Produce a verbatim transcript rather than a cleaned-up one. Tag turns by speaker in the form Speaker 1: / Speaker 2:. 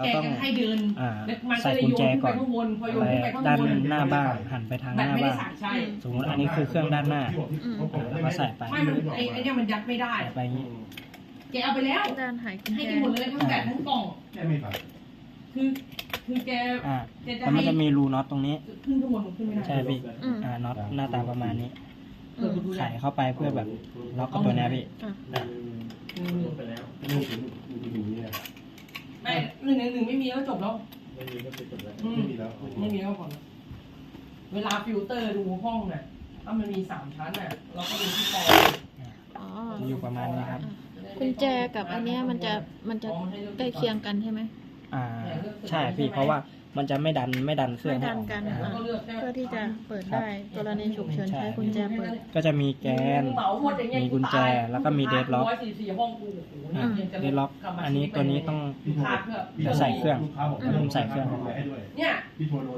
Speaker 1: เราต้อง
Speaker 2: ให้เดิน
Speaker 1: อ่า
Speaker 2: มัน
Speaker 1: ใส่กุญแจก่อน
Speaker 2: ไปข้างบนพอโยน
Speaker 1: ไป
Speaker 2: ขึ้นไปข้าง
Speaker 1: ด้าน
Speaker 2: บน
Speaker 1: หน้าบ้านหันไปทางห
Speaker 2: แบบ
Speaker 1: น้า
Speaker 2: ไม่ได้
Speaker 1: บ้าน
Speaker 2: สั่งใช่
Speaker 1: สมมติอันนี้คือเครื่องด้านหน้า
Speaker 3: อืม
Speaker 1: อ่าแล้วก็ใส่ไป
Speaker 2: ไม่มันไอ้ไอ้เนี่ยมันยัดไม่ได้
Speaker 1: ใส่ไปอย่างนี้
Speaker 2: แกเอาไปแล้ว
Speaker 3: ด้านหายกุญ
Speaker 2: ให้
Speaker 3: แจ
Speaker 2: แกหมดเลยทั้งแบบทั้งกล่อง
Speaker 4: แค่ไม่ฝัน
Speaker 2: คือคือแก
Speaker 1: อ่า
Speaker 2: แกจะ
Speaker 1: แล้วมัน
Speaker 2: ให้
Speaker 1: จะมีรูน็อตตรงนี้
Speaker 2: ขึ้นข้างบนมันขึ้นไม่ได้
Speaker 1: ใช่พี่
Speaker 3: อืม
Speaker 1: อ่าน็อตหน้าตาประมาณนี้
Speaker 3: อืม
Speaker 1: ไขเข้าไปเพื่อแบบล็อกกับตัวเนี้ยพี่
Speaker 3: อ่ะ
Speaker 1: อ่ะ
Speaker 2: อืม
Speaker 4: ไปแล้วลูกถึงลูกถึงนี้
Speaker 2: ไม่หนึ่งหนึ่งหนึ่งไม่มีก็จบแล้ว
Speaker 4: ไม่มีก็เป็นจบแล้ว
Speaker 2: อืม
Speaker 4: ไม่มีแล้ว
Speaker 2: ไม่มีก็ผ่อนเวลาฟิลเตอร์ดูห้องน่ะถ้ามันมีสามชั้นน่ะเราก็ดูที่กอง
Speaker 3: อ๋อ
Speaker 1: จะอยู่ประมาณนี้ครับ
Speaker 3: กุญแจกับอันเนี้ยมันจะมันจะใกล้เคียงกันใช่ไหม
Speaker 1: อ่าใช่พี่เพราะว่ามันจะไม่ดันไม่ดันเครื่อง
Speaker 3: ไม่
Speaker 1: ให้
Speaker 3: ดัน
Speaker 1: ออก
Speaker 3: กัน
Speaker 1: อ่า
Speaker 3: อ่ะเพื่อที่จะเปิดได้กรณีฉุกเฉินใช้กุญแจเปิด
Speaker 1: ก็จะมีแกน
Speaker 2: เหมาหมดอย่างเงี้ย
Speaker 1: มีกุญแจแล้วก็มีเดดล็อก
Speaker 2: ร้อยสี่สี่ห้องกูโอ้โห
Speaker 1: อ่า
Speaker 2: นี่ยังจะ
Speaker 1: เดดล็อก อันนี้ตัวนี้ต้อง
Speaker 2: ขาดเพื่อ
Speaker 1: เดี๋ยวใส่เครื่อง
Speaker 4: ลูกค้าบอก
Speaker 1: เริ่มใส่เครื่อง
Speaker 4: ให้ด้วย
Speaker 2: เนี่ย
Speaker 4: พี่โทร